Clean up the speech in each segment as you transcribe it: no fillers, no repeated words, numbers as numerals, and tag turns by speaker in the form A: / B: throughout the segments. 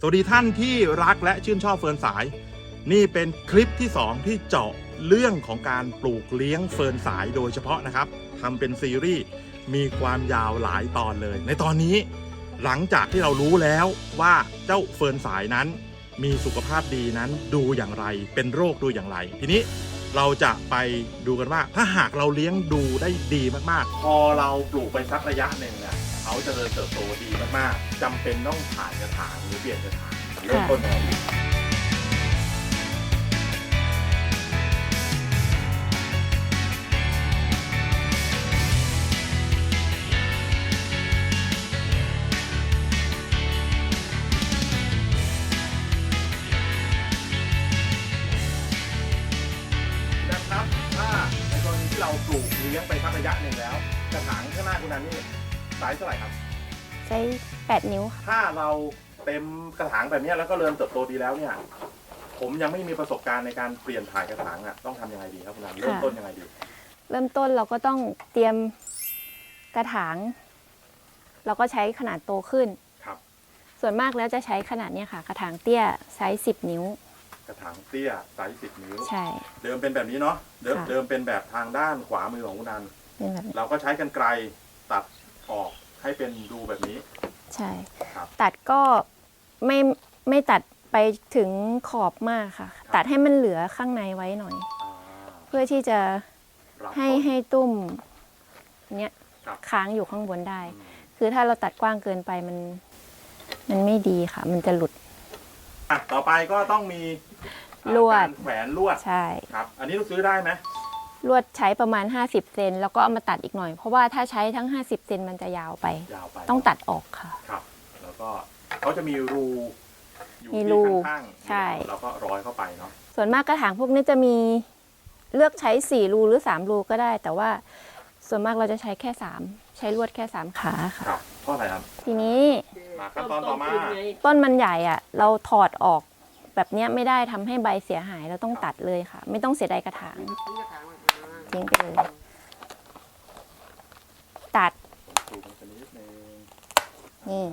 A: สวัสดีท่านที่รักและชื่นชอบเฟิร์นสายนี่เป็นคลิปที่2ที่เจาะเรื่องของการปลูกเลี้ยงเฟิร์นสายโดยเฉพาะนะครับทำเป็นซีรีส์มีความยาวหลายตอนเลยในตอนนี้หลังจากที่เรารู้แล้วว่าเจ้าเฟิร์นสายนั้นมีสุขภาพดีนั้นดูอย่างไรเป็นโรคดูอย่างไรทีนี้เราจะไปดูกันว่าถ้าหากเราเลี้ยงดูได้ดีมากๆพอเราปลูกไปสักระยะหนึ่งเนี่ยเขาจะเติบโตดีมากๆจำเป็นต้องถ่ายกระถางหรือเปลี่ยนกระถางเริ่มต้นยังไงดีนะครับถ้าในกรณีที่เราปลูกเลี้ยงไปสักระยะหนึ่งแล้วกระถางข้างหน้าคุณนันนี่ไซส์เท่าไหร่ครับ
B: ใช้8 นิ้วค่ะ
A: ถ้าเราเต็มกระถางแบบนี้แล้วก็เริ่มเติบโตดีแล้วเนี่ยผมยังไม่มีประสบการณ์ในการเปลี่ยนถ่ายกระถางอ่ะต้องทำยังไงดีครับคุณนันเริ่มต้นยังไงดี
B: เริ่มต้นเราก็ต้องเตรียมกระถางเราก็ใช้ขนาดโตขึ้น
A: ครับ
B: ส่วนมากแล้วจะใช้ขนาดนี้ค่ะกระถางเตี้ยไซส์10 นิ้ว
A: กระถางเตี้ยไซส์10 นิ้ว
B: ใช่
A: เดิมเป็นแบบนี้เนาะเดิมเป็นแบบทางด้านขวามือของคุณนันเราก็ใช้กรรไกรตัดออกให้เป็นดูแบบนี้
B: ใช่ตัดก็ไม่ตัดไปถึงขอบมากค่ะตัดให้มันเหลือข้างในไว้หน่อยเพื่อที่จะให้ตุ้มเนี้ยค้างอยู่ข้างบนได้คือถ้าเราตัดกว้างเกินไปมันไม่ดีค่ะมันจะหลุด
A: ต่อไปก็ต้องมี
B: ลวด
A: แขวนลวด
B: ใช่
A: ครับอันนี้เราซื้อได้ไหม
B: ลวดใช้ประมาณ50 เซนแล้วก็เอามาตัดอีกหน่อยเพราะว่าถ้าใช้ทั้ง50 เซนมันจะยาวไปต้องตัดออกค่ะ
A: ครับแล้วก็เขาจะมีรูอยู่ที่ข้างๆ
B: ใช่
A: เราก็ร้อยเข้าไปเนาะ
B: ส่วนมากกระถางพวกนี้จะมีเลือกใช้4 รูหรือ3 รูก็ได้แต่ว่าส่วนมากเราจะใช้แค่3ใช้ลวดแค่3 ขาค่ะ
A: เพราะอะไรครับ
B: ทีนี้
A: ขั้นตอนต่อมา
B: ต้นมันใหญ่อ่ะเราถอดออกแบบนี้ไม่ได้ทำให้ใบเสียหายเราต้องตัดเลยค่ะไม่ต้องเสียดายกระถางทิ้งไปเลยตัดนี่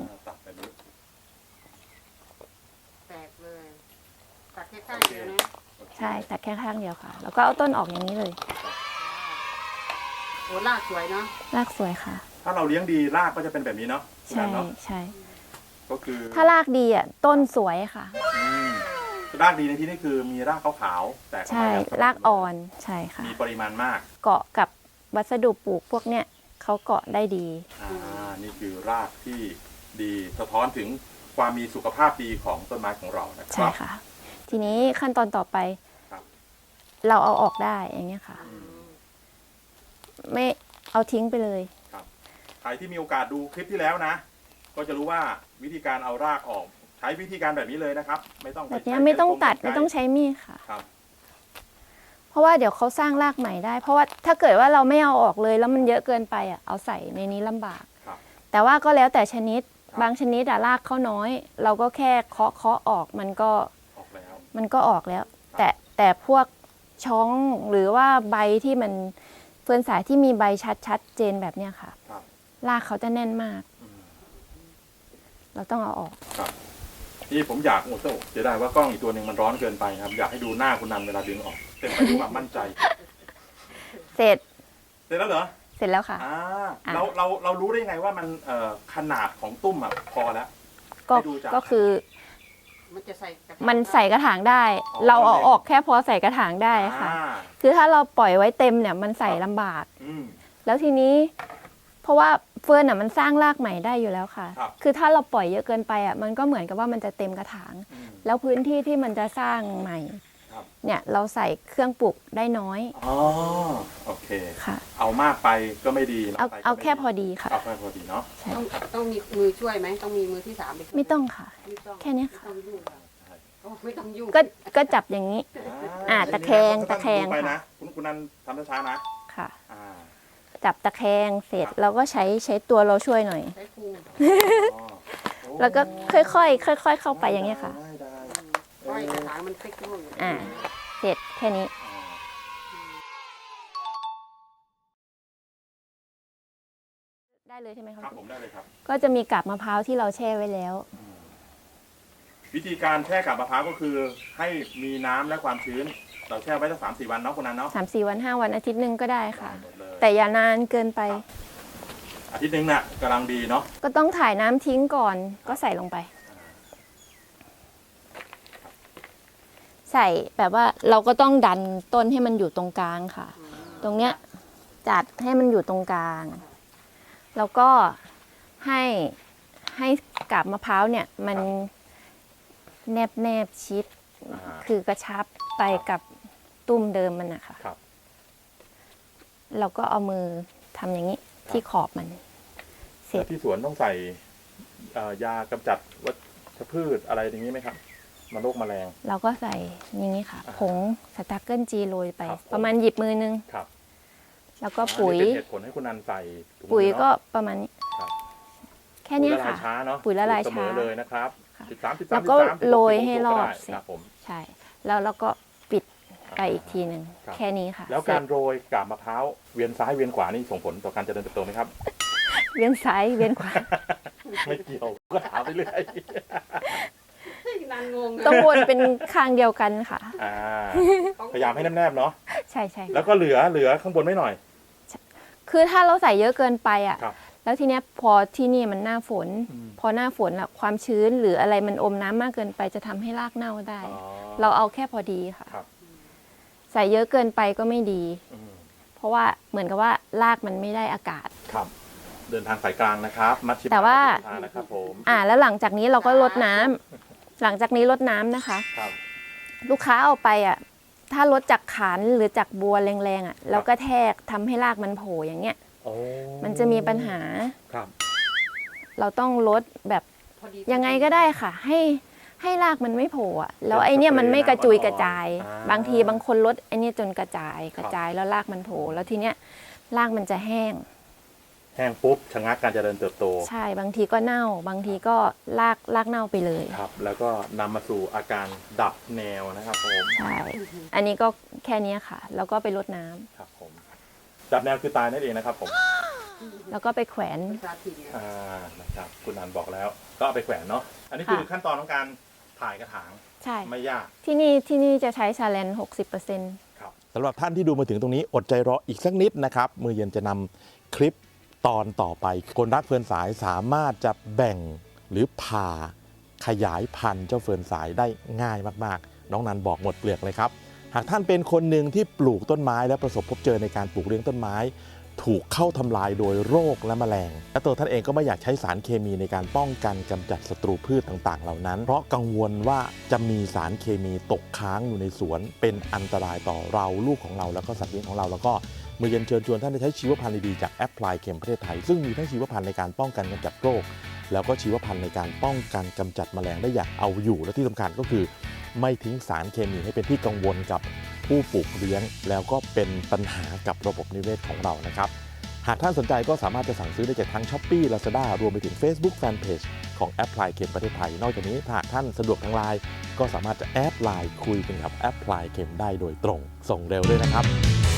C: แตกเลยตัดแค่ข้างเดียวนะ
B: ใช่ตัดแค่ข้างเดียวค่ะแล้วก็เอาต้นออกอย่างนี้เลย
C: โอ้รากสวยเนาะ
B: รากสวยค่ะ
A: ถ้าเราเลี้ยงดีรากก็จะเป็นแบบนี้เนาะ
B: ใช่ใช่
A: ก็คือ
B: ถ้ารากดีอ่ะต้นสวยค่ะ
A: รากดีในที่นี้คือมีรากขาวๆแต่
B: ใช่รากอ่อนใช่ค่ะ
A: มีปริมาณมาก
B: เกาะกับวัสดุปลูกพวกเนี้ยเขาเกาะได้ดี
A: นี่คือรากที่ดีสะท้อนถึงความมีสุขภาพดีของต้นไม้ของเรานะครับ
B: ใช่ค่ะทีนี้ขั้นตอนต่อไปเราเอาออกได้อย่างเงี้ยค่ะไม่เอาทิ้งไปเลย
A: ใครที่มีโอกาสดูคลิปที่แล้วนะก็จะรู้ว่าวิธีการเอารากออกใช้วิธีการแบบนี้เลยนะครับไม่ต้อง
B: แบบนี้ไม่ต้องตัดไม่ต้องใช้มีดค่ะเพราะว่าเดี๋ยวเขาสร้างรากใหม่ได้เพราะว่าถ้าเกิดว่าเราไม่เอาออกเลยแล้วมันเยอะเกินไปอ่ะเอาใส่ในนี้ลำบากแต่ว่าก็แล้วแต่ชนิดบางชนิดรากเขาน้อยเราก็แค่เคาะออกมันก็ออกแล้วแต่พวกช้องหรือว่าใบที่มันเฟิร์นสายที่มีใบชัดเจนแบบเนี้ยค่ะรากเขาจะแน่นมากเราต้องเอาออก
A: ที่ผมอยากเสียดายว่ากล้องอีกตัวหนึ่งมันร้อนเกินไปครับอยากให้ดูหน้าคุณนันเวลาดึงออกเต็มไปด้วยความมั่นใจ
B: เสร็จ
A: แล้วเหรอ
B: เสร็จแล้วค่ะ
A: เรารู้ได้ไงว่ามันขนาดของตุ้มอ่ะพอแล้ว
B: ก็คือมันใส่กระถางได้ เราเอาออกแค่พอใส่กระถางได้ค่ะคือถ้าเราปล่อยไว้เต็มเนี่ยมันใส่ลำบากแล้วทีนี้เพราะว่าเฟิร์นอ่ะมันสร้างรากใหม่ได้อยู่แล้วค่ะคือถ้าเราปล่อยเยอะเกินไปอ่ะมันก็เหมือนกับว่ามันจะเต็มกระถางแล้วพื้นที่ที่มันจะสร้างใหม่เนี่ยเราใส่เครื่องปลูกได้น้อย
A: โอเคค่ะเอามากไปก็ไม่ดี
B: เอาแค่พอดีค่ะ
A: เอาแค่พอดีเนาะ
C: ต้องมีมือช่วยไหมต้องมีมือที่3
B: ไม่ต้องค่ะแค่นี้ค่ะ
C: ไม่ต้องยุ่ง
B: ก็จับอย่างนี้ตะแคง
A: ไปนะคุณนันทำช้าๆนะ
B: ค่ะจับตะแคงเสร็จเราก็ใช้ตัวเราช่วยหน่อยแล้วก็ค่อยๆเข้าไปอย่างเงี้ยค่ะ
C: กระถางมันเล็กลง
B: เสร็จแค่นี้ได้เลยใช่ไหมครับ
A: ผมได้เลยครับ
B: ก็จะมีกาบมะพร้าวที่เราแช่ไว้แล้ว
A: วิธีการแช่กาบมะพร้าวก็คือให้มีน้ำและความชื้น เราแช่ไว้สัก3-4 วันเนาะคุณนันเนาะ
B: 3-4 วัน 5 วันอาทิตย์หนึ่งก็ได้ค่ะ
A: หมดเลย
B: แต่อย่านานเกินไป
A: อาทิตย์หนึงน่ะกำลังดีเนาะ
B: ก็ต้องถ่ายน้ำทิ้งก่อนก็ใส่ลงไป ใส่แบบว่าเราก็ต้องดันต้นให้มันอยู่ตรงกลางค่ะ ตรงเนี้ยจัดให้มันอยู่ตรงกลาง แล้วก็ให้กาบมะพร้าวเนี่ยมันแนบชิด คือกระชับไปกับตุ้มเดิมมันนะคะ
A: ครับ
B: เราก็เอามือทำอย่างนี้ที่ขอบมัน เสร็จ
A: แล้วที่สวนต้องใส่ยากำจัดวัชพืชอะไรอย่างนี้ไหมครับมาโรคแมลง
B: เราก็ใส่อย่างนี้ค่ะ ผงสตาร์เกิลจีโรยไป
A: ครับผม
B: ประมาณหยิบมือนึง
A: ครับ
B: แล้วก็ปุ๋ย
A: อันนี้เป็นเหตุผลให้คุณนันใส่ถุงมือ
B: ปุ๋ยก็
A: เนาะ
B: ประมาณนี้
A: ครับ
B: แค่เนี้ย
A: ปุ๋ยละลา
B: ค่ะ
A: ยช้าเนาะ
B: ปุ๋ยละลาย
A: เสมอ
B: ช้า
A: เลยนะครับ
B: ค่ะ
A: 13
B: แล้วก็โรยให้รอบ
A: ก็
B: เสร็จ
A: ได้ครับผม
B: ใช่ แล้วเราก็ปิดไปอีกทีหนึ่ง
A: ครับ
B: แค่นี้ค่ะ
A: แล้วการโรยกาบมะพร้าวเวียนซ้ายเวียนขวานี่ส่งผลต่อการเจริญเติบโตไหมครับ
B: เวียนซ้ายเวียนขวา
A: ไม่เกี่ยวก็ถามไปเรื่อย
C: นานงง
B: ต้องวนเป็นข้างเดียวกันค่ะ
A: พยายามให้แนบๆเนาะ
B: ใช่ใช่
A: แล้วก็เหลือข้างบนไม่หน่อย
B: คือถ้าเราใส่เยอะเกินไปอ่ะ
A: ครับ
B: แล้วทีเนี้ยพอที่นี่มันหน้าฝน พอหน้าฝนอะความชื้นหรืออะไรมันอมน้ำมากเกินไปจะทำให้รากเน่าได้
A: อ๋อ
B: เราเอาแค่พอดีค่ะ
A: ครับ
B: ใส่เยอะเกินไปก็ไม่ดี
A: อืม
B: เพราะว่าเหมือนกับว่ารากมันไม่ได้อากาศ
A: ครับ เดินทางสายกลางนะครับ มัชชิม
B: แต่ว่า
A: ทางนะครับผม
B: แล้วหลังจากนี้เราก็ลดน้ำหลังจากนี้ลดน้ำนะคะ
A: ครับ
B: ลูกค้าเอาไปอ่ะถ้าลดจากขานหรือจากบัวแรงๆอ่ะแล้วก็แทกทำให้รากมันโผล่อย่างเงี้ย
A: โอ้
B: มันจะมีปัญหา
A: ครับ
B: เราต้องลดแบบ
C: พอดี
B: ยังไงก็ได้ค่ะ ให้รากมันไม่โผล่อะแล้วไอเนี้ยมันไม่กระจุยกระจาย บางทีบางคนลดไอเนี้ยจนกระจายแล้วรากมันโผล่แล้วทีเนี้ยรากมันจะแห้ง
A: แห้งปุ๊บชะงักการเจริญเติบโต
B: ใช่บางทีก็เน่า บางทีก็รากเน่าไปเลย
A: ครับ แล้วก็นำมาสู่อาการดับแนวนะครับผม
B: ใช่อันนี้ก็แค่เนี้ยค่ะ แล้วก็ไปรดน้ำ
A: ครับผม ดับแนวคือตายนั่นเองนะครับผม
B: แล้วก็ไปแขวน
C: ภาษาถิ่นเนี่ย
A: นะครับ คุณนันบอกแล้ว ก็เอาไปแขวนเนาะ อันนี้คือ
B: ค่ะ
A: ขั้นตอนของการถ่ายกระถาง
B: ใช่
A: ไม่ยาก
B: ที่นี่จะใช้ชาเลน60%
A: ครับสำหรับท่านที่ดูมาถึงตรงนี้อดใจรออีกสักนิดนะครับ มือเย็นจะนำคลิปตอนต่อไป คนรักเฟิร์นสายสามารถจะแบ่งหรือผ่าขยายพันธุ์เจ้าเฟิร์นสายได้ง่ายมากๆ น้องนันบอกหมดเปลือกเลยครับ หากท่านเป็นคนหนึ่งที่ปลูกต้นไม้และประสบพบเจอในการปลูกเลี้ยงต้นไม้ ถูกเข้าทำลายโดยโรคและแมลง และตัวท่านเองก็ไม่อยากใช้สารเคมีในการป้องกันกำจัดศัตรูพืชต่างๆ เหล่านั้น เพราะกังวลว่าจะมีสารเคมีตกค้างอยู่ในสวน เป็นอันตรายต่อเราลูกของเราแล้วก็สัตว์เลี้ยงของเราแล้วก็มือเย็นเชิญชวนท่านได้ใช้ชีวพันธุ์ดีๆจากแอปพลายเข็มประเทศไทยซึ่งมีทั้งชีวพันธุ์ในการป้องกันกำจัดโรค แล้วก็ชีวพันธุ์ในการป้องกันกำจัดแมลงได้อย่างเอาอยู่และที่สำคัญก็คือ ไม่ทิ้งสารเคมีให้เป็นที่กังวลกับผู้ปลูกเลี้ยง แล้วก็เป็นปัญหากับระบบนิเวศของเรานะครับ หากท่านสนใจก็สามารถจะสั่งซื้อได้จากทั้ง Shopee Lazada รวมไปถึง Facebook Fanpage ของแอปพลายเข็มประเทศไทย นอกจากนี้ถ้าหากท่านสะดวกทางไลน์ก็สามารถจะแอดไลน์คุยกันกับแอปพลายเข็มได้โดยตรง ส่งเร็วด้วยนะครับ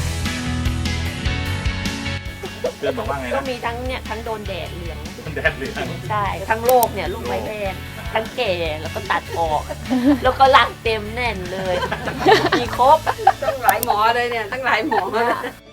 A: เพื่อนบอกว่าไง
D: ก็
A: นะ
D: มีทั้งโดนแดดเหลือง
A: แดดเหลือง
D: ใช่ทั้งโรคเนี่ยลูกไม้แดงทั้งแก่แล้วก็ตัดออก แล้วก็รากเต็มแน่นเลย มีครบ
C: ตั้งหลายหมอเลยเนี่ยตั้งหลายหมอ